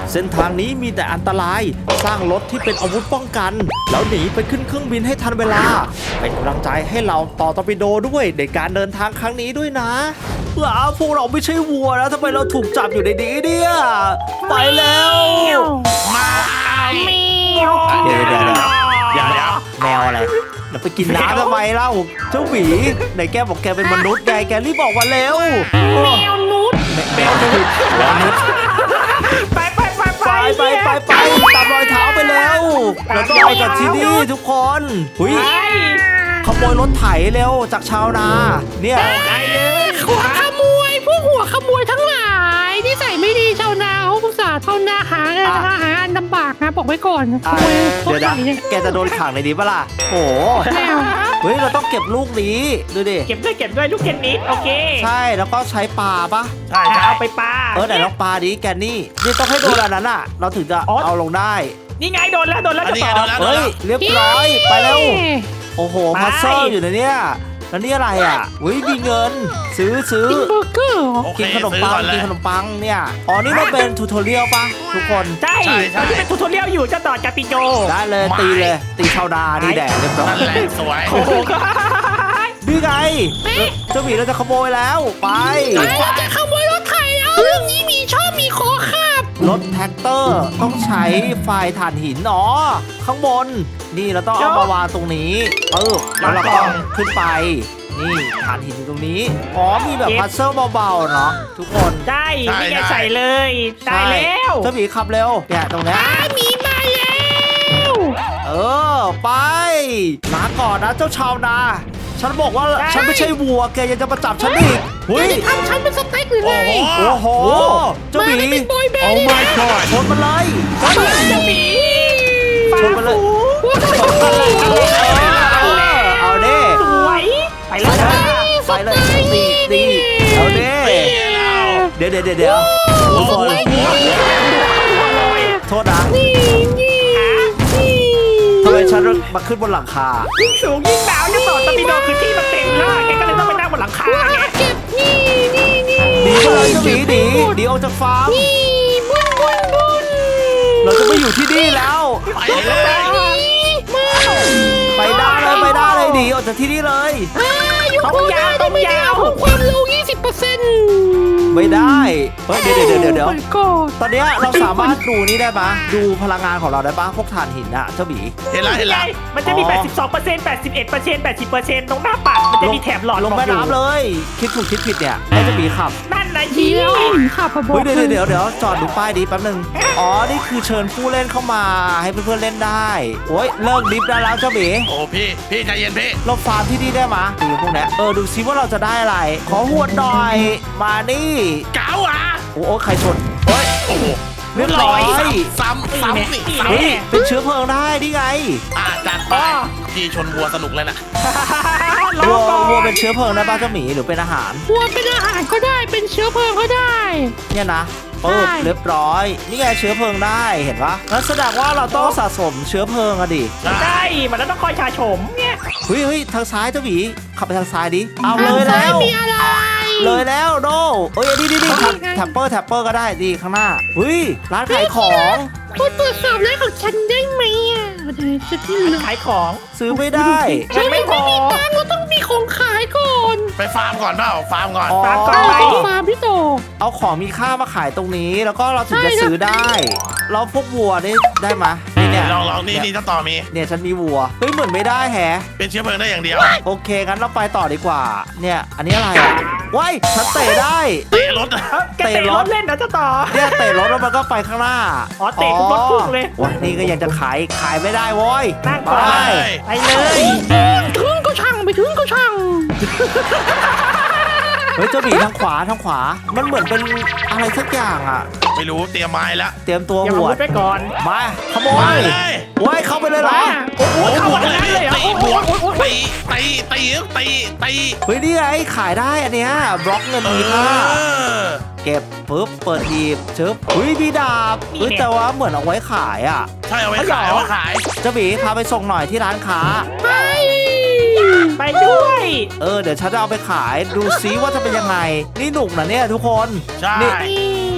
เส้นทางนี้มีแต่อันตรายสร้างรถที่เป็นอาวุธป้องกันแล้วหนีไปขึ้นเครื่องบินให้ทันเวลาเป็นกำลังใจให้เราต่อตอร์ปิโดด้วยในการเดินทางครั้งนี้ด้วยนะพวกเราไม่ใช่วัวนะทำไมเราถูกจับอยู่ในนี้เนี่ยไปแล้วเดี๋ยวแมวอะไรเราไปกินน้ำทำไมเล่าเจ้าหมีไหนแกบอกแกเป็นมนุษย์ไงแกรีบบอกมาเร็วแมวนุษย์ไปตามรอยเท้าไปแล้วเราต้องไปกับที่นี่ทุกคนขโมยรถไถเร็วจากชาวนาเนี่ยหัวขโมยพวกหัวขโมยทั้งหลายที่ใส่ไม่ดีชาวนาเขาอุตส่าห์ชาวนาหาลำบากนะบอกไว้ก่อนเดี๋ยวนะแกจะโดนขังในนี้ปะล่ะโอ้เฮ้ยเราต้องเก็บลูกนี้ดูดิเก็บด้วยลูกเทนนิสโอเคใช่แล้วก็ใช้ปลาปะใช่เอาไปปลาไหนลองปลาดิแกนี่ต้องให้โดนอันนั้นอ่ะเราถึงจะเอาลงได้นี่ไงโดนแล้วจะต่อเฮ้ยเรียบร้อยไปแล้วโอ้โหพัซเซิลอยู่ในเนี้ยแล้วนี่อะไรอ่ะมีเงินซื้อกินเบอร์เกอร์กินขนมปังเนี่ยอ๋อนี่มันเป็นทูทอเรียลปะทุกคนใช่เป็นทูทอเรียลอยู่จะต่อจากปิโจได้เลยตีชาวนานี่แดดเรียบร้อยสวยโอ้โหนี่ไงเจ้าหมีเราจะขโมยแล้วไปเราจะขโมยรถไถแล้วเรื่องนี้มีขอขับรถแท็กเตอร์ต้องใช้ไฟถ่านหินข้างบนนี่เราต้องเอามาวางตรงนี้แล้วเราก็ขึ้นไปนี่ฐานหินตรงนี้มีแบบพัซเซิลเบาๆเนาะทุกคนได้นี่แกใส่เลยได้แล้วเจ้าหมีขับเร็วเนี่ยตรงนี้มีมาแล้วไปลาก่อนนะเจ้าชาวนาฉันบอกว่าฉันไม่ใช่วัวแกยังจะมาจับฉันอีกทำฉันเป็นสเต็กหรือไงโอ้โหเจ้าหมีโอ้ my god ชนมันเลยเจ้าหมีชนมันเลยเอาดิสวยไปเลยตีเอาดิเดี๋ยวโทษนะทำไมฉันมาขึ้นบนหลังคายิ่งสูงยิ่งหนาวยิ่งต่อตะปีโดคือที่มันเต็มแล้วแกก็เลยต้องไปนั่งบนหลังคาไงเก็บนี่ดีเลยเจ้าหมีดีออกจากฟาร์มเราจะไม่อยู่ที่นี่แล้วไปได้เลยดีออกจากที่นี่เลยต้องยาวความเร็ว 20% ไม่ได้เดี๋ยวตอนนี้เราสามารถดูนี่ได้ปะดูพลังงานของเราได้ปะพวกถ่านหินอะเจ้าหมีเห็นแล้วมันจะมี 82% 81% 80% ตรงหน้าปัดมันจะมีแถบหลอดลงแม่น้ำเลยคิดถูกคิดผิดเนี่ยให้เจ้าหมีขับนั่นนะทีแล้วขับเดี๋ยวจอดดูป้ายดีแป๊บนึงนี่คือเชิญผู้เล่นเข้ามาให้เพื่อนๆเล่นได้เลิกดิฟได้แล้วเจ้าหมีโอ้พี่ใจเย็นพี่เราฟาร์มที่นี่ได้มะดูพวกนี้ดูซิว่าเราจะได้อะไรขอหวดหน่อยมานี่เก๋าใครชนโอ้โหเรียบร้อยซ้ำเป็นเชื้อเพลิงได้นี่ไงจัดไปที่ชนวัวสนุกเลยนะวัวเป็นเชื้อเพลิงได้ป่ะเจ้าหมีหรือเป็นอาหารวัวเป็นอาหารก็ได้เป็นเชื้อเพลิงก็ได้เนี่ยนะเรียบร้อยนี่ไงเชื้อเพลิงได้เห็นปะงั้นแสดงว่าเราต้องสะสมเชื้อเพลิงดิใช่มันต้องคอยชาชมเนี่ยเฮ้ยทางซ้ายเจ้าหมีขับไปทางซ้ายดิเอาเลยแล้วเลยแล้วโดนี่แท็ปเปอร์ก็ได้ดีข้างหน้าร้านขายของคุณตรวจสอบร้านของฉันได้ไหมขายของซื้อไม่ได้ฉันไม่มีตังค์เราต้องมีของขายก่อนไปฟาร์มก่อนเปล่าฟาร์มก่อนฟาร์มพี่โตเอาของมีค่ามาขายตรงนี้แล้วก็เราถึงจะซื้อได้เราพวกวัวได้ไหมเนี่ยลองนี่ต่อมีเนี่ยฉันมีวัวเหมือนไม่ได้แฮะเป็นเชื้อเพลิงได้อย่างเดียวโอเคงั้นเราไปต่อดีกว่าเนี่ยอันนี้อะไรฉันเตะได้เตะรถเล่นนะจะต่อเนี่ยเตะรถแล้วมันก็ไปข้างหน้าเตะรถพุ่งเลยนี่ก็ยังจะขายไม่ได้นั่งไปเลยถึงก็ช่างเจ้าหมีทางขวามันเหมือนเป็นอะไรสักอย่างไม่รู้เตรียมไม้แล้วเตรียมตัวหัวไปก่อนมาขโมยเข้าไปเลยเหรอเข้าไปเลยตีนี่ไงขายได้อันเนี้ยบล็อกเงินมีค่าเก็บปุ๊บเปิดหีบชึบมีดาบแต่ว่าเหมือนเอาไว้ขายใช่เอาไว้ขายเจ้าหมีพาไปส่งหน่อยที่ร้านค้าไปด้วยเดี๋ยวฉันจะเอาไปขายดูซิว่าจะเป็นยังไงนี่หนุกนะเนี่ยทุกคนใช่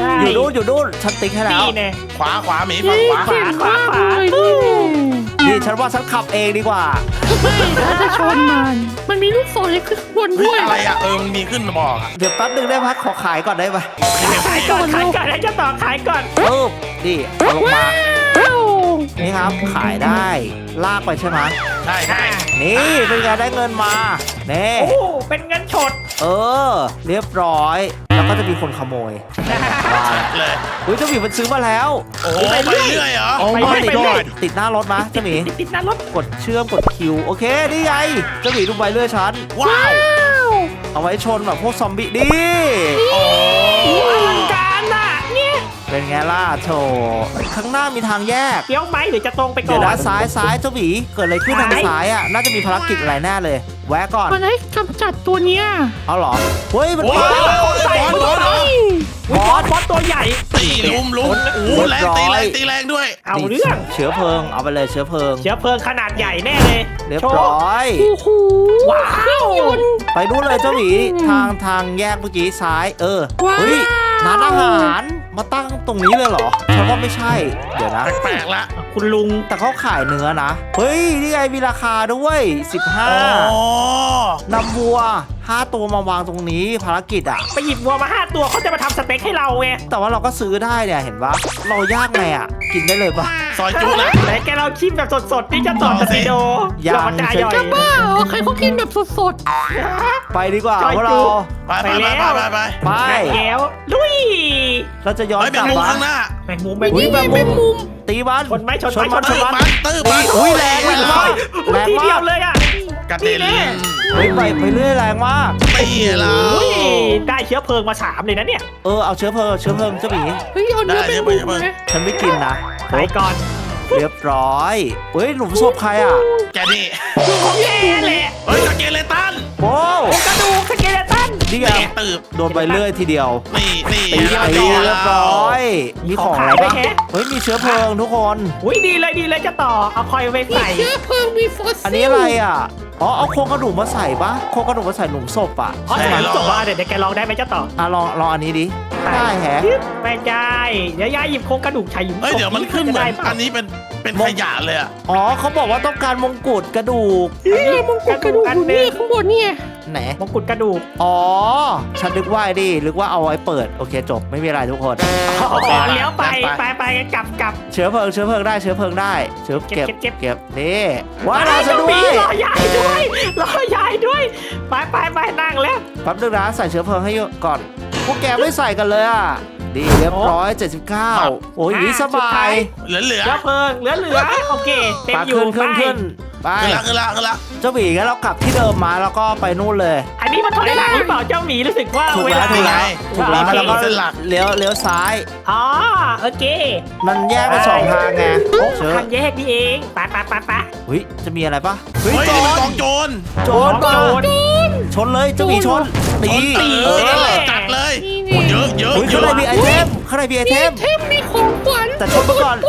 ใช่อยู่นู่นฉันติ๊กให้แล้วนี่แน่ขวาหมีฝั่งขวาเก่งมากเลยนี่นี่ฉันว่าฉันขับเองดีกว่าไม่เดี๋ยวจะชนมันมีลูกศรขึ้นข้างบนเฮ้ด้วย ยอะไรอ่ะมันมีขึ้นมาบอกอ่ะเดี๋ยวแป๊บนึงได้ไหมขอขายก่อนได้ไหมขายก่อนให้เจ้าต่อขายก่อนปึ๊บนี่เอาลงมาว้าวนี่ครับขายได้ลากไปใช่ไหมใช่ใช่นี่เป็นไงได้เงินมาเน่โอ้เป็นเงินสดเรียบร้อย แล้วก็จะมีคนขโมยว่าแล้วเลยอุ้ยเจ้าหมีมันซื้อมาแล้วโอ้โหไปเรื่อยเหรอโอ้ไปไม่เรื่อยติดหน้ารถมะเจ้าหมีติดหน้ารถกดเชื่อมกดคิวโอเคนี่ไงเจ้าหมีดูใบเลื่อยฉันว้าวเอาไว้ชนแบบพวกซอมบี้ดิโอ้อลังการน่ะเนี่ยเป็นไงล่ะโถข้างหน้ามีทางแยกเดี๋ยวไหมหรือจะตรงไปก่เดี๋อยวน นะซ้ายเจ้าหมีเกิดอะไรขึ้นทางซ้ายอ่ะน่าจะมีภารกิจอะไรแน่เลย แวะก่อนมันให้กำจัดตัวเนี้ยเอาเหรอเฮ้ยมันโหมาบอสตัวใหญ่ตีลุมโอ้โหแรงตีแรงด้วยเอาเรื่องเชื้อเพลิงเอาไปเลยเชื้อเพลิงเชื้อเพลิงขนาดใหญ่แน่เลยเรียบร้อยโอ้โหว้าวยนต์ไปดูเลยเจ้าหมีทางแยกเมื่อกี้ซ้ายว้าวเฮ้ยร้านอาหารมาตั้งตรงนี้เลยเหรอฉันว่าไม่ใช่เดี๋ยวนะแปลกๆละคุณลุงแต่เขาขายเนื้อนะเฮ้ยนี่ไงมีราคาด้วยอ๋อ 15นำวัว5ตัวมาวางตรงนี้ภารกิจอ่ะไปหยิบวัวมา5ตัวเขาจะมาทำสเต็กให้เราไงแต่ว่าเราก็ซื้อได้เนี่ยเห็นปะเราย่างไงอ่ะกินได้เลยปะซอยจุนะไหนแกเราชิมแบบสดๆนี่จะต่อสปีโดยังเราจะย่อยจะบ้าเหรอใครเขากินแบบสดไปดีกว่าจอยพวกเราจูไปไปแก้วลุยเราจะย้อนไปกลับมุมมาข้างหน้าแมงมุมๆแมงมุนี่มไงเป็นมุมตีมันชนไหมชนไหมมันชชนนไหมมันตื้อมันอุ้ยแรงมากแรงทีเดียมาว กเลยอ่ะกระเด็นเฮ้ยไปเรื่อยแรงมากตีเราอุ้ยได้เชื้อเพลิงมา3เลยนะเนี่ยเอาเชื้อเพลิงเจ้าหมีเฮ้ยเอาเนื้อเป็นมุมนะฉันไม่กินนะไปก่อนเรียบร้อยเฮ้ยหลุมศพใครอ่ะแกนี่ของแกแหละเฮ้ยสเกเลตันโอ้กระดูกสเกเลตันนี่ไงตืบโดนไปเรื่อยทีเดียวนี่ตีเรียบร้อย มีของอะไรบ้างเฮ้ยมีเชื้อเพลิงทุกคนอุ้ยดีเลยจะต่อเอาคอยไปมีใส่เชื้อเพลิงมีฟอสซิลอันนี้อะไรอ่ะเอาโครงกระดูกมาใส่ปะโครงกระดูกมาใส่หลุมศพอ่ะอ๋อใช่ไหมจบว่าเดี๋ยวแกลองได้ไหมเจ้าต่อลองอันนี้ดิได้แฮะไม่ได้เดี๋ยวยายหยิบโครงกระดูกชายหญิงเฮ้ยเดี๋ยวมันขึ้นเหมือนอันนี้เป็นขยะเลยอ่ะอ๋อเขาบอกว่าต้องการมงกุฎกระดูกนี่มงกุฎกระดูกอยู่นี่ข้างบนเนี่ยไหนมงกุฎกระดูกอ๋อฉันนึกว่าดินึกว่าเอาไว้เปิดโอเคจบไม่มีอะไรทุกคนอ๋อเลี้ยวไปกลับเชื้อเพลิงได้เชื้อเพลิงได้เชื้อเก็บเก็บนี่ว้าวเราจะด้วยรอยายด้วยไปนั่งแล้วแป๊บนึงนะใส่เชื้อเพลิงให้ก่อนพวกแกไม่ใส่กันเลยอ่ะดีเรียบร้อย79โอ้ยนี่สบายเหลือเชื้อเพลิงเหลือโอเคเต็มปาอยู่ขึ้นไปไปขึ้นละเจ้าหมีงั้นเรากลับที่เดิมมาแล้วก็ไปนู่นเลยอันนี้มันถอยหลังหรือเปล่าเจ้าหมีรู้สึกว่าถูกเวแล้ลาวถูกแล้วถูกแล้วโอเคแล้วก็เลี้ยวซ้ายอ๋อโอเคมันแยกเป็นสองทางไงโอ้เชื้อทางแยกนี่เองไปเฮ้ยจะมีอะไรปะเฮ้ยโจนี่มันรกองโจรโจรโจรชนเลยเจ้าหมีชนตีตีจัดเลยเยอะเฮ้ยข้างในมีไอเทมข้างในมีไอเทมเทมมีของขวัญแต่ชนมาก่อน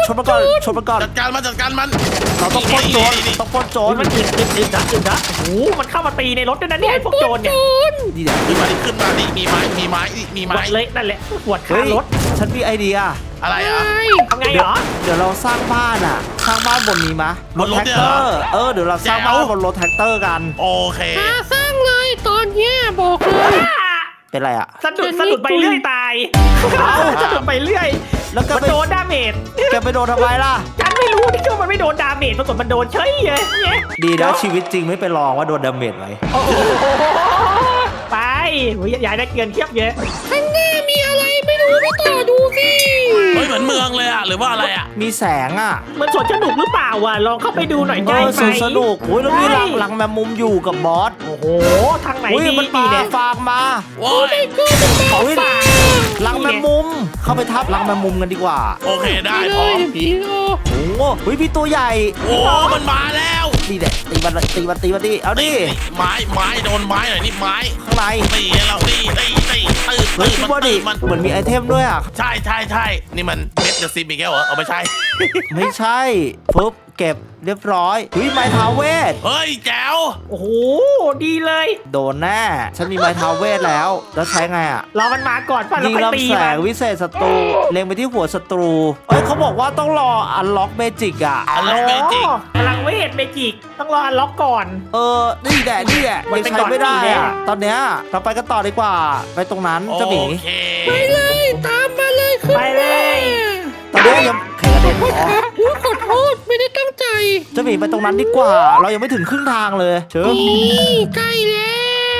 จัดการมันเราต้องปล้นโจรต้องปล้นโจรมันอึดนะโอ้โหมันเข้ามาตีในรถด้วยนะเนี่ยไอ้พวกโจรเนี่ยนี่เดี๋ยวขึ้นมานี่มีไม้หวดเลยนั่นแหละหวดเฮ้คาย รถฉันมีไอเดียอะไรอ่ะทำไงเหรอเดี๋ยวเราสร้างบ้านอ่ะสร้างบ้านบนนี้มะบนรถแท็กเนี่ยเตเหรออร์เดี๋ยวเราสร้างบ้านบนรถแท็กเตอร์กันโอเคสร้างเลยตอนเนี้ยบอกเลยเป็นไรอ่ะสะดุดไปเรื่อยตายสะดุดไปเรื่อยแล้วก็มันไปโดนดาเมจแกไปโดนทำไมล่ะฉันไม่รู้ที่ว่ามันไม่โดนดาเมจปรากฏมันโดนเฉยเลยเนี่ยดีนะชีวิตจริงไม่ไปลองว่าโดนดาเมจไหมโอ้โหไปยายได้เกินเทียบเยอะข้างหน้ามีอะไรไม่รู้ไปต่อดูสิเฮ้ยเหมือนเมืองเลยอ่ะหรือว่าอะไรอ่ะมีแสงอ่ะมันสวนสนุกหรือเปล่าวะลองเข้าไปดูหน่อยได้ไหมสนุกโอ้ยแล้วมีรังแมงมุมอยู่กับบอสโอ้โหทางไหนอุ้ยดีมันดีปาเนี่ยฟางมาโว้ยของอุ้ยฝากรังแมงมุม เข้าไปทับรังแมงมุมกันดีกว่าโอเคได้พเลร้อย มผีโอโอ้โหเฮ้ยพี่ตัวใหญ่โอ้มันมาแล้วนี่แหละตีมันดิเอาดิไม้โดนไม้หน่อยนี่ไม้ข้างในตีเราตีเฮ้ยพี่บอดี้มันเหมือนมีไอเทมด้วยอ่ะใช่นี่มันเม็ดเดอะซิมอีกแล้วเหรอเอาไม่ใช่ไม่ใช่ปึ๊บเก็บเรียบร้อยเฮ้ยไม้เท้าเวทเฮ้ยแจ๋วโอ้โหดีเลยโดนแน่ฉันมีไม้เท้าเวทแล้วใช้ไงอ่ะรอมันมาก่อนป่ะแล้วยิงค่อยตีลำแสมังนวิเศษศัตรูเล็งไปที่หัวศัตรูเอ้ยเขาบอกว่าต้องรออันล็อกเมจิกอ่ะอันล็อกเมจิกพลังเวทเมจิกต้องรออันล็อกก่อนนี่แหละมันยังเป็นใช้ไม่ได้ก่อนนี่แน่อ่ะตอนเนี้ยเราไปกันต่อดีกว่าไปตรงนั้นโอเจ้าหมีเคไปเลยตามมาเลยขึ้นไปเลยตอนนี้ยังแข่งกันเด็นอ๋ออุ๊ยขอโทษไม่ได้ตั้งใจเจ้าหมีไปตรงนั้นดีกว่า เรายังไม่ถึงครึ่งทางเลยเชิญนี่ใกล้แล้ว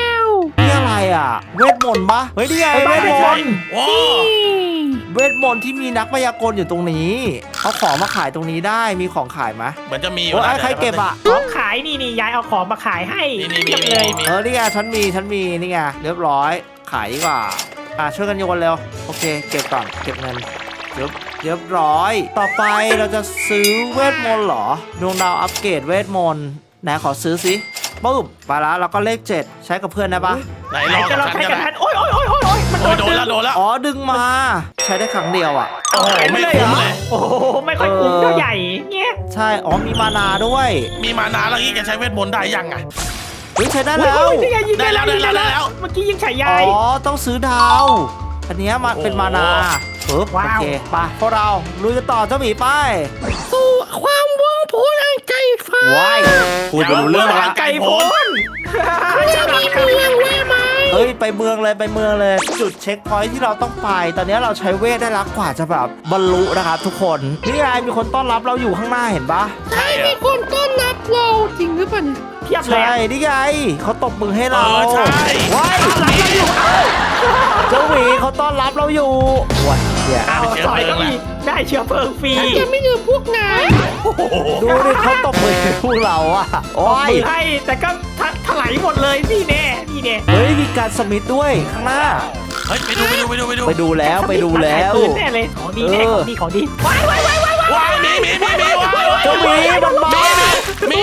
นี่อะไรอ่ะ เวทมนต์ปะเฮ้ยนี่ไงเวทมนต์โอ้เวทมนต์ที่มีนักพยากรณ์อยู่ตรงนี้เอาของมาขายตรงนี้ได้มีของขายไหมเหมือนจะมีอยู่โอ้นะยใครเก็บอ่ะของขายนี่ยายเอาของมาขายให้นี่เรียบเลยมีนี่ไงฉันมีนี่ไงเรียบร้อยขายดีกว่าช่วยกันโยนเร็วโอเคเก็บก่อนเก็บเงินเรียบร้อย ต่อไปเราจะซื้อเวทมนต์เหรอดวงดาวอัปเกรดเวทมนต์ไหนขอซื้อสิปุ๊บไปแล้วเราก็เลข 7 ใช้กับเพื่อนได้ปะไหนไหนลองจะกับลองฉันใช้กันกันทันะนโอ้ยมันโอ้ยโดนแล้วโดนแล้วอ๋อดึงมา ใช้ได้ครั้งเดียวอ่ะโอ้โหไม่คุ้มเลยโอ้โหไม่ค่อยคุ้มเท่าใหญ่เงี้ยใช่อ๋อมีมานาด้วยมีมานานแล้วงี้แกใช้เวทมนต์ได้ยังไงเฮ้ยใช้ได้แล้วโอ้ยนี่ไงยิงได้แล้วได้แล้วเมื่อกี้ยิงฉายยาอ๋ยอต้องซื้อดาว อันเนี้ยมาเป็นมานาปึ๊บว้าวโอเคไปพวกเราลุยกันต่อเจ้าหมีไปสู่ความว่องไพอันไกลฟ้าว้ายพูดไปรู้เรื่องละไก่พ้นจะมีเมืองแวะไหมเฮ้ยไปเมืองเลยจุดเช็คพอยท์ที่เราต้องไป ตอนนี้เราใช้เวทได้แล้วกว่าจะแบบบรรลุนะครับทุกคนนี่ไงมีคนต้อนรับเราอยู่ข้างหน้าเห็นปะใช่มีคนต้อนรับเราจริงหรือเปล่าเนี่ยเทียบเลยใช่นี่ไงเขาตบมือให้เราใช่ว้ายเจ้าหมีเขาต้อนรับเราอยู่ว้ายเนี่ยเอาต่อยก็มีได้เชื้อเพลิงฟรีฉันจะไม่ลืมพวกนายดูดิเขาตบมือให้พวกเราอะโอ้ตบยมือให้แต่ก็ถลายหมดเลยนี่แน่เฮ้ยมีการสมิธด้วยข้างหน้าเฮ้ยไปดูไปดูแล้วปืนแน่เลยของดีแน่ของดีว้ายว้ายมีว้ายเจ้าหมีมันมามี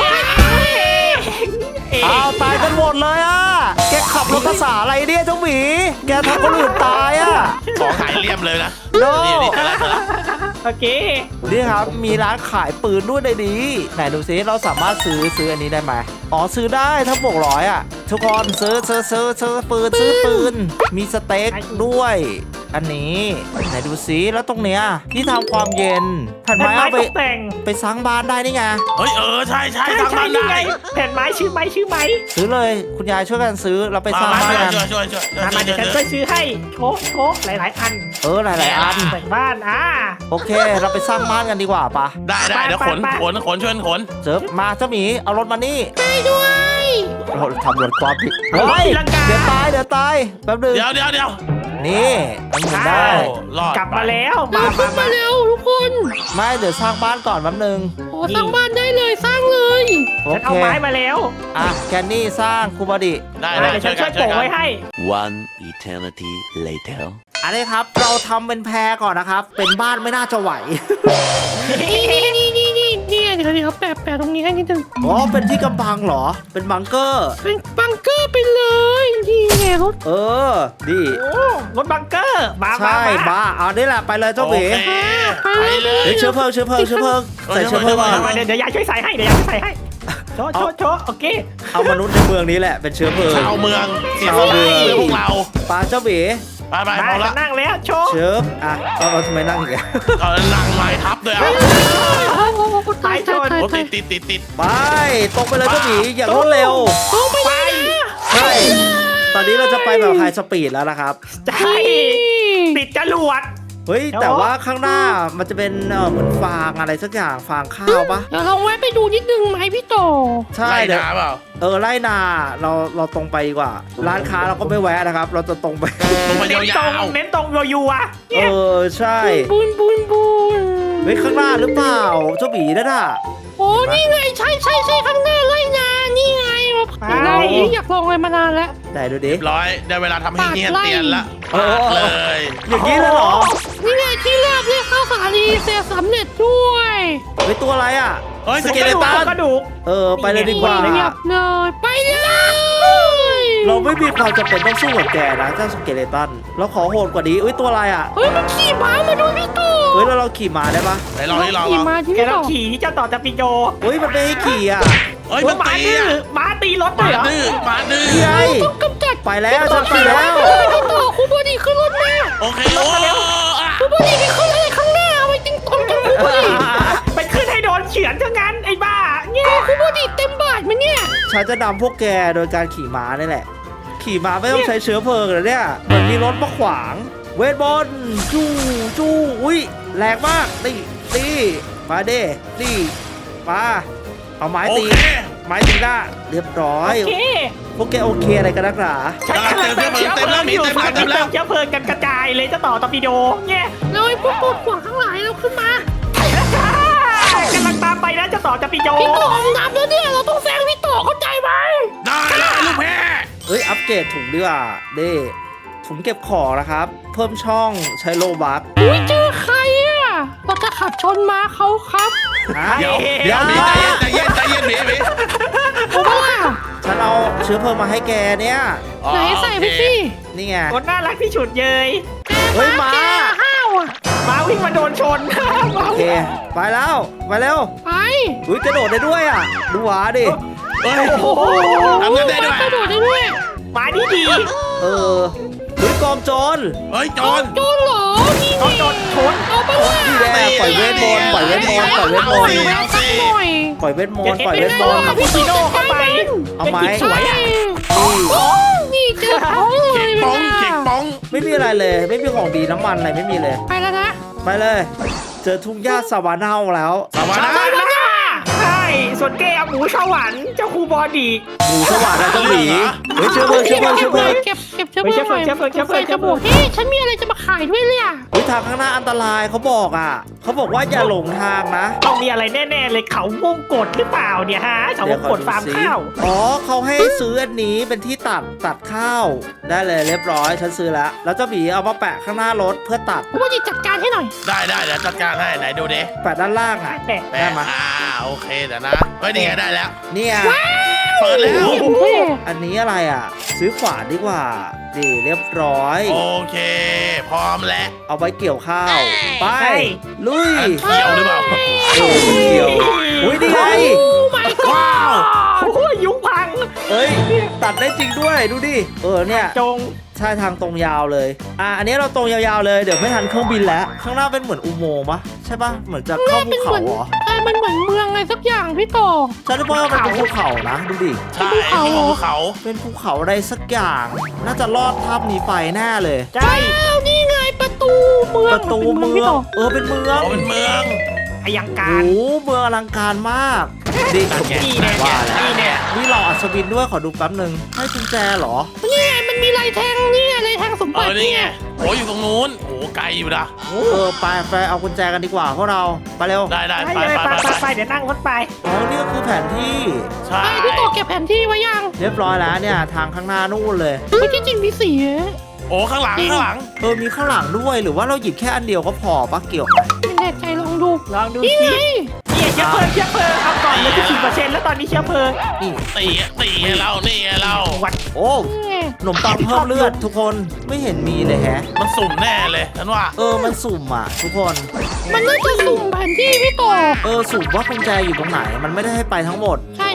อ้าวตายกันหมดเลยอ่ะแกขับรถภาษาอะไรเนี่ยเจ้าหมีแกทำคนอื่นตายอ่ะของหายเรียบเลยนะโน่นี่เจอแล้วโอเคนี่ครับมีร้านขายปืนด้วยในนี้ไหนดูซิเราสามารถซื้ออันนี้ได้ไหมอ๋อซื้อได้ถ้าบวกร้อยอ่ะทุกคนซื้อปืนมีสเต็กด้วย อันนี้ไหนดูซิแล้วตรงเนี้ยที่ทำความเย็นแผ่นแผ่นไม้ไม้เอาตไปกแต่งไปสร้างบ้านได้นี่ไงเฮ้ยใช่ทางบ้านยังได้ไงแผ่นไม้ชื่อไม้ซื้อเลยคุณยายช่วยกันซื้อเราไปสร้างมาบ้านกันช่วยมาเดี๋ยวฉันช่วยซื้อให้โชกหลายอันหลายๆอันแต่งบ้านโอเค เราไปสร้างบ้านกันดีกว่าปะได้เดี๋ยวขนช่วยขนเจิบมาเจ้าหมีเอารถมานี่ไปด้วยเราทำรถความผิดเฮ้ยเดี๋ยวตายแป๊บนึงเดี๋ยวนี่มันหมุนได้รอดกลับมาแล้วเราขึ้นมาเร็วทุกคนไม่เดี๋ยวสร้างบ้านก่อนแป๊บนึงโอ้สร้างบ้านได้เลยสร้างเลยโอฉันเคเอาไม้มาแล้วอ่ะแกนนี่สร้างคูบอดิได้เดี๋ยวฉันช่วยโปะไว้ให้ One eternity later. อันนี้ครับเราทำเป็นแพรก่อนนะครับ เป็นบ้านไม่น่าจะไหวนี่เดี๋ยวแปะตรงนี้ให้นิดนึงอ๋อเป็นที่กำบังเหรอ เป็นบังเกอร์เป็นบังเกอร์ไปเลยนี่ไงรถดีโอ้รถบังเกอร์มาใช่บ้าเอานี่แหละไปเลยเจ้าหมีไปเลยเดี๋ยวเชื้อเพลิงใส่เชื้อเพลิงก่อนเดี๋ยวยายช่วยใส่ให้โชว์โอเคเอามนุษย์ในเมืองนี้แหละเป็นเชื้อเพลิงชาวเมืองเสียชาวเมืองพวกเราปลาเจ้าหมีไปมาพอละนั่งแล้วโชว์เชิบอ่ะเราทำไมนั่งอย่างเงี้ยนั่งไม้ทับด้วยอ่ะตายโอ้ติดไปตรงไปเลยเจ้าหมีอย่างรวดเร็วไปใช่ตอนนี้เราจะไปแบบไฮสปีดแล้วนะครับใช่ติดจรวดเฮ้ยแต่ว่าข้างหน้ามันจะเป็นเหมือนฟางอะไรสักอย่างฟางข้าวปะเดี๋ยวเราแวะไปดูนิดนึงไหมพี่โตใช่ไล่เดี๋ยวน้ำเปล่าไล่นาเราตรงไปดีกว่า ร้านค้าเราก็ไม่แวะนะครับ เราจะตรงไปลงมาเน้นยาตรงวเน้นตรงรัวๆเนี่ยใช่บุญเฮ้ยข้างหน้าหรือเปล่าเจ้าหมีนั่นน่ะโอ้นี่ไงใช่ข้างหน้าไล่นานี่ไงเราอยากลองอะไรมานานแล้วไหนดูดิร้อยได้เวลาทำให้เฮียเตียนละโอ้เลยอย่างนี้เลยเหรอนี่ไงที่แรกเนี่ยเข้าสาลีเสร็จสำเร็จด้วยเฮ้ยตัวอะไรอ่ะเฮ้ยสเกเลตันกระดูกไปเลยดีกว่าเรียบเลยไปเลยเราไม่มีความจำเป็นต้องสู้กับแกนะเจ้าสเกเลตันเราขอโหดกว่านี้ตัวอะไรอ่ะเฮ้ยมันขี่ม้ามาดูพี่ต่อเฮ้ยเราขี่ม้าได้ปะไหนลองนี่ลองขี่ลองม้าที่แกพี่ต้ต่อองขี่เจ้าต่อจะปิโยเฮ้ยมันไม่ให้ขี่อ่ะเฮ้ยมันม้าตีดื้ออ่ะม้าตีรถมาเลยเหรอดื้อมาดื้อนี่ไงต้องกำจัดไปแล้วฉันไปแล้วพี่ต่อคุณบอดีขึ้นรถมาโอเคโอ้อ่ะคุณบอดีไปขึ้นอะไรข้างหน้าเอาไว้ติงตองจังคุณบอดีไปขึ้นให้โดนเฉือนซะงั้นไอ้บ้าเนี่ยคุณบอดีเต็มบาทไหมเนี่ยฉันจะนำพวกแกโดยการขี่ม้านี่แหละ ขี่ม้าไม่ต้องใช้เชื้อเพลิงเลยเนี่ยเหมือนมีรถมาขวาง เวทบอลจู้จู้อุ้ยแรงมากนี่มาเด้นี่มาเอาไม้โอตีเคไม้ตีหน้าเรียบร้อยโอเคพวกแกโอเคอะไรกันนักหนาฉันกำลังเติมเชื้อเพลิงอยู่ฝั่งนี้เติมเชื้อเพลิงกันกระจายเลยเจ้าต่อตอร์ปิโดเนี่ยเราไอ้พวกปวดหัวข้างหลังเราขึ้นมาไปแล้วจ้ากำลังตามไปนะเจ้าต่อจะปิโยพี่ต่อมน้ำแล้วเนี่ยเราต้องแซงพี่ต่อเข้าใจไหมได้เลยลูกแพ้เฮ้ยอัปเกรดถุงดีกว่าเด้ถุงเก็บของนะครับ เพิ่มช่องใช้โลบัคอุ้ยเจอใครอ่ะเราจะขับชนม้าเขาครับเดี๋ยวใจเย็นใจเย็นหมีผมว่าฉันเอาเชื้อเพลิงมาให้แกเนี่ยไหนใส่ไปสินี่ไงคนน่ารักที่ฉุดเยยเฮ้ยม้าแกห้าวอ่ะม้าวิ่งมาโดนชนโอเคไปแล้วไปเร็วไปอุ้ยกระโดดได้ด้วยอ่ะดูหวาดิเฮ้ยโอ้โหทำเงินได้ด้วยกระโดดได้ด้วยม้าดีดีเออเฮ้ยกองโจรเฮ้ยโจรโจรเหรอนี่เขาโดนชนเอาไปว่านี่แหละปล่อยเวทมนต์ปล่อยเวทมนต์ปล่อยเวทมนต์เอาสักหน่อยปล่อยเวทมนต์ปล่อยเดี๋เวยวทเดี๋มยวนต์คาปูชิโน่เข้าไปเอาไหมเป็นกิ๊บสวยอ่ะนี่เจอเขาเลเข็ยกป้องเข็กป้องไม่มีอะไรเลยไม่มีของดีน้ำมันอะไรไม่มีเลยไปแล้วนะไปเลย เจอทุ่งหญ้าสวานาแล้วสวัสชาดีวาน่าใช่ส่วนแกเอาหมูสวรรค์เจ้าครูบอดีหมูสวรรค์นะเจ้าหมีเฮ้ยเชื้อเพลิงเชื้อเพลิงเชื้อเพลิงเก็บเชื้อเพลิงหน่อยใส่กระบอกเฮ้ยฉันมีอะไรจะมาขายด้วยเลยอ่ะเฮ้ยทางข้างหน้าอันตรายเขาบอกอ่ะเขาบอกว่าอย่าหลงทางนะต้องมีอะไรแน่ๆเลยเขาวงกดหรือเปล่าเนี่ยฮะเขาวงกดฟาร์มข้าวอ๋อเขาให้ซื้ออันนี้เป็นที่ตัดข้าว ได้เลยเรียบร้อยฉันซื้อแล้วแล้วเจ้าหมีเอามาแปะข้างหน้ารถเพื่อตัดผมว่าจะจัดการให้หน่อยได้เดี๋ยวจัดการให้ไหนดูดิแปะด้านล่างอ่ะแต่แม่มาโอเคเดี๋ยวนะเฮ้ยนี่ไงได้แล้วเนี่ยเปิดแล้วเท่อันนี้อะไรอ่ะ ซื้อขวานดีกว่าดีเรียบร้อยโอเค พร้อมแล้วเอาไว้เกี่ยวข้าว ไป ลุยอันเขียวหรือเปล่าโอ้มันเกี่ยวอุ้ยนี่ไงโอ้ my god ว้าวโอ้ยยุงพังเอ้ย ตัดได้จริงด้วยดูดิเนี่ยจงใช่ทางตรงยาวเลยอันนี้เราตรงยาวๆเลยเดี๋ยวไม่ทันเครื่องบินแล้ว ข้างหน้าเป็นเหมือนอุโมงค์ปะใช่ปะเหมือนจะเข้าภูเขาเหรอมันเหมือนเมืองอะไรสักอย่างพี่ต่อฉันว่ามันเป็นภูเขานะดูดิใช่ที่ของภูเขาเป็นภูเขาอะไรสักอย่าง น่าจะลอดถ้ำนี้ไปแน่เลยใช่อ้าวนี่ไงประตูเมืองประตูเมืพี่องต่อเป็นเมืองอ๋อเป็นเมืองอยังโอ้การโหเมืองอลังการมากดินี่แน่ว่าแล้วนี่แน่นี่เราอัศวินด้วยขอดูแป๊บหนึ่งให้กุญแจเหรอนี่ไงมันมีลายแทงนี่ไงลายแทงสมบัตินี่ไงโอ้อยู่ตรงนู้นโอ้ไกลอยู่นะไปเอากุญแจกันดีกว่าพวกเราไปเร็วได้ไปไปเลยไปไปเดี๋ยวนั่งรถไปอ๋อนี่ก็คือแผนที่ใช่ไอ้พี่ต่อเก็บแผนที่ไว้ยังเรียบร้อยแล้วเนี่ยทางข้างหน้านู่นเลยไม่ที่จริงมีสีโอ้ข้างหลังมีข้างหลังด้วยหรือว่าเราหยิบแค่อันเดียวก็พอปะเกี่ยวไหมไม่แน่ใจลองดูลองดูนี่สิไงนี่เชื้อเพลิงเอาก่อนเลยที่10%แล้วตอนนี้เชื้อเพลิงนี่ตีเรานี่เราวัดโอ้นี่ไงขนมปังเพิ่มเลือดทุกคนไม่เห็นมีเลยแฮะมันสุ่มแน่เลยฉันว่ามันสุ่มอ่ะทุกคนมันน่าจะสุ่มแผนที่พี่ต่อสุ่มว่ากุญแจอยู่ตรงไหน มันไม่ได้ให้ไปทั้งหมดใช่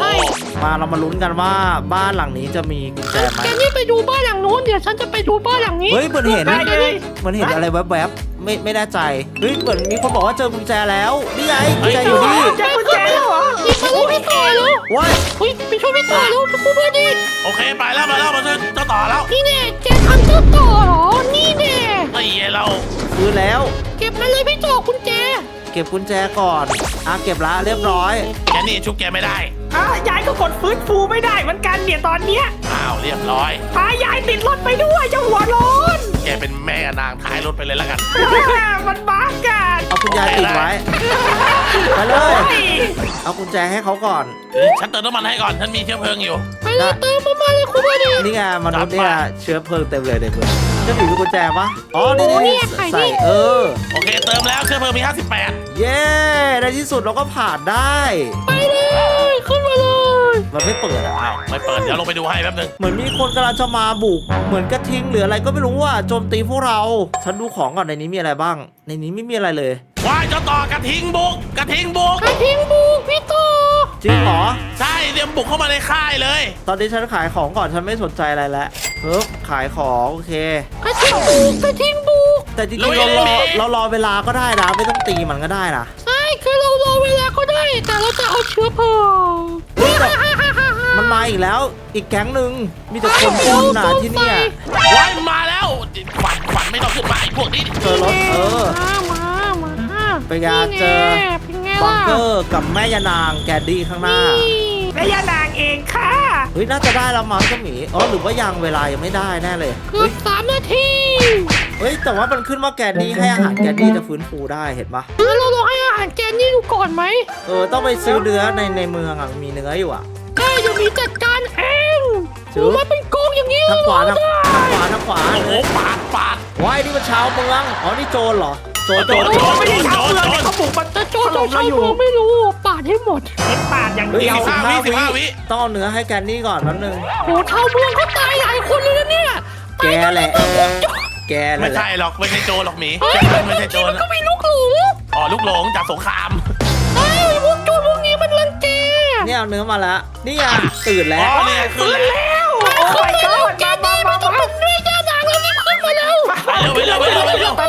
มาเรามาลุ้นกันว่าบ้านหลังนี้จะมีกุญแจไหมแกนี่ไปดูบ้านหลังนู้นเดี๋ยวฉันจะไปดูบ้านหลังนี้เฮ้ยเหมือนเห็นได้เลยมันเห็นอะไรแวบๆไม่แน่ใจเฮ้ยเหมือนมีคนบอกว่าเจอกุญแจแล้วนี่ไงกุญแจอยู่นี่เจ้ากุญแจแล้วเหรอหยิบมาเลยพี่ต่อแล้วว้ายเฮ้ยไปช่วยพี่ต่อแล้วพี่คู่บอดีโอเคไปแล้วมาช่วยเจ้าต่อแล้วนี่แน่แกทำเจ้าต่อเหรอนี่แน่ตีเราซื้อแล้วเก็บมาเลยพี่ต่อกุญแจเก็บกุญแจก่อนเก็บละเรียบร้อยแกนี่ชุบแกไม่ได้ยายก็กดฟื้นฟูไม่ได้เหมือนกันเนี่ยตอนเนี้ยอ้าวเรียบร้อยพายายติดรถไปด้วยเจ้าหัวโล้นแกเป็นแม่นางท้ายรถไปเลยแล้วกันมันบ้ากันเอากุญแจติดไว้ไปเลย เอากุญแจให้เขาก่อนฉันเติมน้ำมันให้ก่อนฉันมีเชื้อเพลิงอยู่ไปเลยเติมมาเลยคู่บอดีนี่ไงมนุษย์เนี่ยจัดไปเชื้อเพลิงเต็มเลยเด็กเลยจะมีกุญแจปะอ๋อนี่นี่ไข่นี่ใส่โอเคเติมแล้วเชื้อเพลิงมี 58 เย้ในที่สุดเราก็ผ่านได้ไปเลยขึ้นมาเลยมันไม่เปิดอะอ้าวไม่เปิดเดี๋ยวลงไปดูให้แป๊บนึงเหมือนมีคนกำลังจะมาบุกเหมือนกระทิงหรืออะไรก็ไม่รู้ว่าโจมตีพวกเราฉันดูของก่อนในนี้มีอะไรบ้าง ในนี้ไม่มีอะไรเลยว้ายเจ้าต่อกระทิงบุกกระทิงบุกกระทิงบุกพี่ต่อจริงเหรอใช่เตรียมบุกเข้ามาในค่ายเลยตอนนี้ฉันขายของก่อนฉันไม่สนใจอะไรแล้วขายของโอเคกระทิงบุกกระทิงบุกแต่จริงๆเรารอเวลาก็ได้นะไม่ต้องตีมันก็ได้นะใช่คือเรารอเวลาก็ได้ แต่เราจะเอาเชื้อเพลิงมันมาอีกแล้วอีกแก๊งหนึ่งมีแต่คนปล้นนะที่เนี่ยว้ายมาแล้วฝันไม่ต้องขึ้นมาไอ้พวกนี้เจอรถมาไปงานเจอเป็นไงบังล่ะเกอร์กับแม่ยานางแกดดี้ข้างหน้าแม่ย่านางเองค่ะเฮ้ยน่าจะได้แล้วมั้งเจ้าหมีหรือว่ายังเวลายังไม่ได้แน่เลยเกือบ3 นาทีเฮ้ยแต่ว่ามันขึ้นว่าแกดดี้ให้อาหารแกดดี้จะฟื้นฟูได้เห็นปะแล้วเราลองให้อาหารแกนนี่ดูก่อนไหมต้องไปซื้อเนื้อในเมืองอ่ะมีเนื้ออยู่อ่ะได้เดี๋ยวมีจัดการเองซื้โอ้อมาเป็นกองอย่างนี้ทางขวาเลยทางขวาโอ้โหปาดว้ายนี่มันชาวเมืองนี่โจรเหรอโจรไม่ได้ทำเลยเขาบุกมาแต่โจรถล่มเราอยู่ไม่รู้ปาดให้หมดเห็นปาดอย่างเฮ้ยเดียว 15 วิต้องเอาเนื้อให้แกดดี้ก่อนแป๊บนึงโอ้ชาวเมืองเขาตายหลายคนเลยนะเนี่ยแกแหละแกแหไม่ละใช่หรอกไม่ใช่โจรหรอกหมีเฮ้ยไม่ใช่โจรมันก็มีลูกหลูอ๋อลูกหลงจากสงครามเฮ้ยพวกโจรพวกนี้มันรังแกเนี่ยเอาเนื้อมาแล้วนี่ไงตื่นแล้อ๋วอเนี่ยขึ้นแล้วโอ้ยก็แกนี่ไม่ต้องเป็นด้วยย่านางแล้วรีบขึ้นมาแล้วไปเร็วไปแล้วไป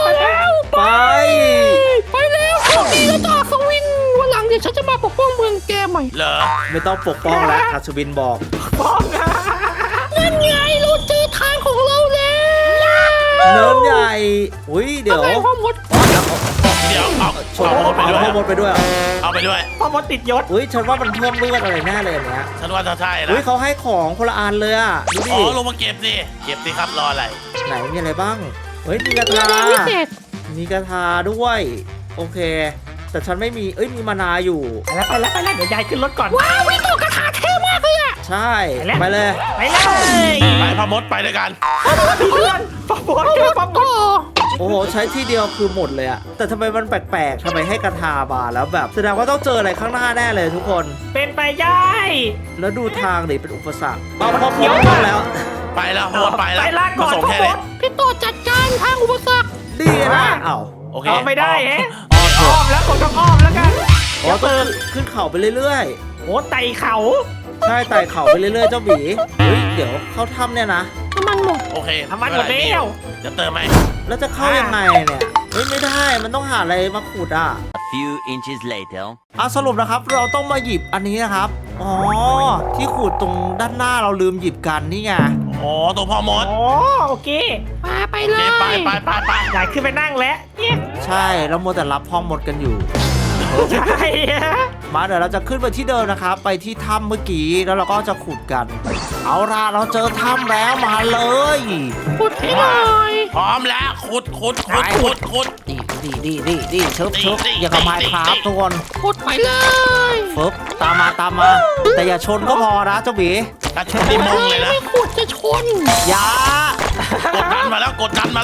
ไปแล้วโชคดีแล้วต่อสวินวันหลังเดี๋ยวฉันจะมาปกป้องเมืองแกใหม่เหรอไม่ต้องปกป้องแล้วอัศวินบอกฟ้องนะนั่นไงเราเจอทางของเราแล้วเนินใหญ่อุ้ยเดี๋ยวอะไรพ่อมดเดี๋ยวเอาชนเอาไปด้วยพ่อมดไปด้วยเอาไปด้วยพ่อมดติดยศอุ้ยฉันว่ามันเพิ่มเลือดอะไรแน่เลยอันเนี้ยฉันว่าจะใช่นะอุ้ยเขาให้ของคนละอันเลยอ่ะดูดิอ๋อลงมาเก็บสิเก็บสิครับรออะไรไหนมีอะไรบ้างเฮ้ยมีกระเรือทาแดงพิเศษมีกระทาด้วยโอเค แต่ฉันไม่มีมีมานาอยู่ไปแล้วเดี๋ยวยายขึ้นรถก่อนว้าววิโตกระถาเท่มากเลยอ่ะใช่ไปเลยไปเลยไปพ่อมดไปด้วยกันเพื่อนพ่อมดเจอพ่อมก็ดโอ้โหใช้ที่เดียวคือหมดเลยอะแต่ทำไมมันแปลกๆทำไมให้กระทามาแล้วแบบแสดงว่าต้องเจออะไรข้างหน้าแน่เลยทุกคนเป็นไปได้แล้วดูทางดิเป็นอุปสรรคเอาพ่อมดต้องแล้วไปแล้วพ่อมดไปแล้วไปลาก่อนส่งพ่อแค่มนี้ดพี่โตจัดการทางอุปสรรคดีนะเอ้าโอเคเอาไม่ได้เอ๊ะอ๋ออ้อมแล้วกดต้องอ้อมแล้วกันอ๋อต้องขึ้นเขาไปเรื่อยโอ้ไต่เขาๆใช่ไต่เขาไปเรื่อยๆเจ้าหมีเฮ้ยเดี๋ยวเข้าถ้ำเนี่ยนะน้ำมันหมดโอเคทำมันหมดแล้วจะเติมไหมแล้วจะเข้ายังไงเนี่ยไม่ได้มันต้องหาอะไรมาขุดอ่ะ A few inches later. สรุปนะครับเราต้องมาหยิบอันนี้นะครับอ๋อที่ขุดตรงด้านหน้าเราลืมหยิบกันนี่ไงอ๋อตัวพ่อมดโอ้โอเคไปโอเลเคยไปยายขึ้นไปนั่งแล้วเนี่ยใช่เราโมวแต่รับพ่อมดกันอยู่ใช่ฮะมาเดี๋ยวเราจะขึ้นไปที่เดิมนะครับ ไปที่ถ้ำเมื่อกี้แล้วเราก็จะขุดกัน เอาล่ะเราเจอถ้ำแล้วมาเลยขุดให้หน่อยพร้อมแล้วขุดดีเชิบอย่ากับไม้ครับทุกคนขุดไปเลยฟึบตามมาแต่อย่าชนก็พอนะเจ้าหมีกระชนนี่มงเลยนะไม่ขุดจะชนอย่ากดดันมาแล้วกดดัน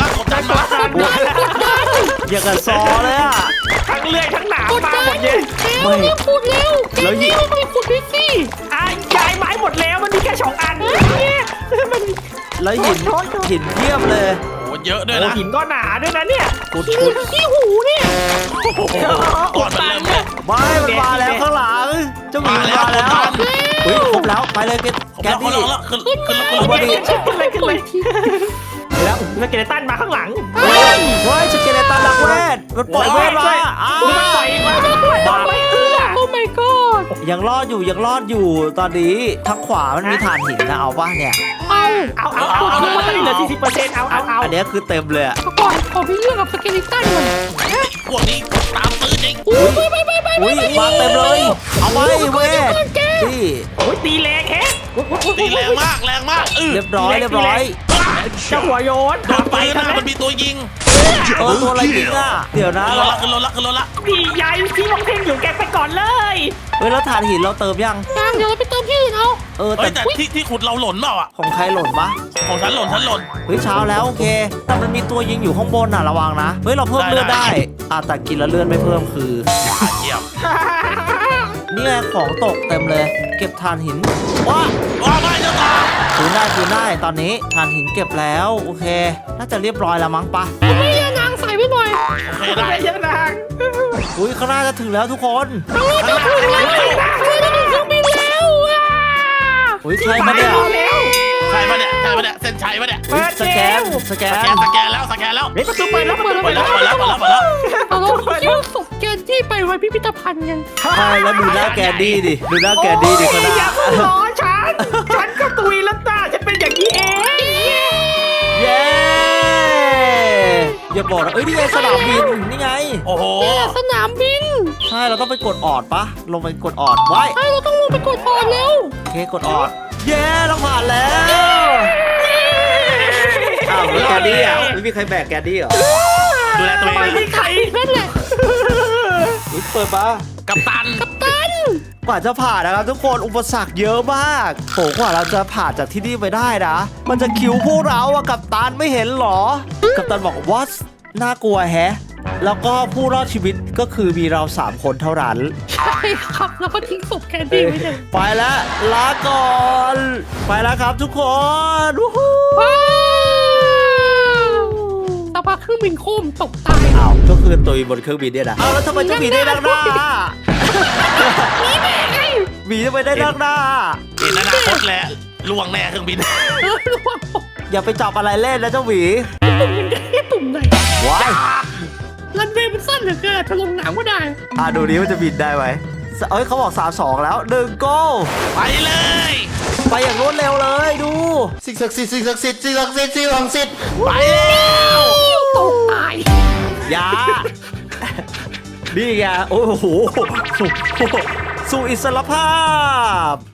อย่ากันซอเลยอ่ะทั้งเลื่อยทั้งหนามกดมาดัหมนดเลยเร็วรีบขุดเร็วแกนี่ไม่ขุดด้วยสิยายไม้หมดแล้วมันมีแค่2 อันเนี่ยมันแล้วหินเทียบเลยโอ้เยอะด้วยโอ้นะหินก็หนาด้วยนะเนี่ยขุดขี้หูเนี่ยก่อนมันเริ่มเลยไม่มันมาแล้วข้างหลังเจ้าหมีมาแล้วมาแล้วกดดันเฮ้ยครบแล้วไปเลยแกผมดี้แล้วขึ้นวันนี้ขึ้นเลยแล้วแล้วเกเรตันมาข้างหลังเฮ้ยสเกเลตันรักเวทมันปล่อยเวทมาอ้าวมันปล่อยมาด้วยตอนไม่เอื้อโอ้ my god ยังรอดอยู่ตอนนี้ทางขวามันมีฐานหินนะเอาป่ะเนี่ยเอาเอามันเหลือ40%เอาอันเนี้ยคือเต็มเลยอะก่อนขอพี่เรื่องกับสเกลิตันหน่อยพวกนี้ตามตื้อจริงอุ้ยมาเต็มเลย เอาไปเวทนี่โอ้ยตีแรงแฮะตีแรงมากเรียบร้อยเจ้าหัวโยนโดนปืนนะมันมีตัวยิงตัวอะไรยิงอ่ะเดี๋ยวนะขึ้นรถละดีใหญ่ที่มองเพ่งอยู่แกไปก่อนเลยเฮ้ยแล้วฐานหินเราเติมยังยังเดี๋ยวเราไปเติมที่อื่นเอาแต่แต่ที่ขุดเราหล่นเปล่าอ่ะของใครหล่นปะของฉันหล่นเฮ้ยเช้าแล้วโอเค แต่มันมีตัวยิงอยู่ข้างบนน่ะระวังนะเฮ้ยเราเพิ่มเลือดได้แต่กินแล้วเลือดไม่เพิ่มคือเยี่ยมนี่ไงของตกเต็มเลย เก็บถ่านหินว้าว่าไม่เจ้าต่อคืนได้ตอนนี้ถ่านหินเก็บแล้วโอเค น่าจะเรียบร้อยแล้วมั้งปะไม่ยานางใส่ไว้หน่อยโอเคได้เยอะนางอุ้ยข้างหน้าจะถึงแล้วทุกคนเราจะถึงแล้วเราจะถึงเครื่องบินแล้วอ่ะอุ้ยใครมาเนี่ยใช่ปะเนี่ยใช่ปะเนี่ยเส้นชัยปะเนี่ยอุ๊ยสแกนสแกนแล้วสแกนแล้วเฮ้ยประตูเปิดแล้วเปิดแล้วเปิดแล้วเปิดแล้วเปิดแล้วเราคิ้วศพแกนที่ไปไว้พิพิธภัณฑ์กันใช่แล้วดูหน้าแกดดี้ดิดูหน้าแกดดี้ดิข้างหอย่าน้าเพิ่งล้อฉันก็ตุยแล้วจ้าฉันเป็นอย่างนี้เองเย้อย่าบอกนะเอ้ยนี่ไงสนามบินนี่ไงโอ้โหเนี่ยสนามบินใช่เราต้องไปกดออดปะลงไปกดออดไว้ใช่เราต้องลงไปกดออนแล้วโอเคกดออดเย้เราผ่านแล้วอ้าวแล้วแกดดี้อ่ะไม่มีใครแบกแกดดี้เหรอดูแลตัวเองไม่มีใครนั่นแหละอุ๊ยเปิดปะกัปตันกว่าจะผ่านนะครับทุกคนอุปสรรคเยอะมากโหกว่าเราจะผ่านจากที่นี่ไปได้นะ มันจะคิวพวกเราอะกัปตันไม่เห็นเหรอ กัปตันบอกว่าน่ากลัวแฮะ แล้วก็ผู้รอดชีวิตก็คือมีเรา3คนเท่านั้นใช่ครับแล้วก็ทิ้งศพแกนดี้ไว้เลยไปแล้วลาก่อน ไปแล้วครับทุกคนวู้ฮู้ว้าวสักพักเครื่องบินโคมตกตายอ้าวก็คือตุยบนเครื่องบินเนี่ยนะอ้าวแล้วทำไมเจะหมีได้ดังหน้าหมีทำไมได้ดังหน้าเห็นอนาคตแล้วล่วงแน่เครื่องบินระวังตกอย่าไปจับอะไรเล่นนะเจ้าหมีตุ่มมันได้แค่ตุ่มไหนว้ายรันเวย์มันสั้นเหลือเกินจะลงหนังก็ได้ดูนี้มันจะบินได้ไหมเอ้ยเขาบอก3-2แล้ว1โก้ไปเลยไปอย่างรวดเร็วเลยดูสิ่งศักดิ์สิทธิ์สิ่งศักดิ์สิทธิ์สิ่งศักดิ์สิทธิ์สิ่งศักดิ์สิทธิ์ไปแล้วตกตายอยา นี่ไงโอ้โหสู่อิสรภาพ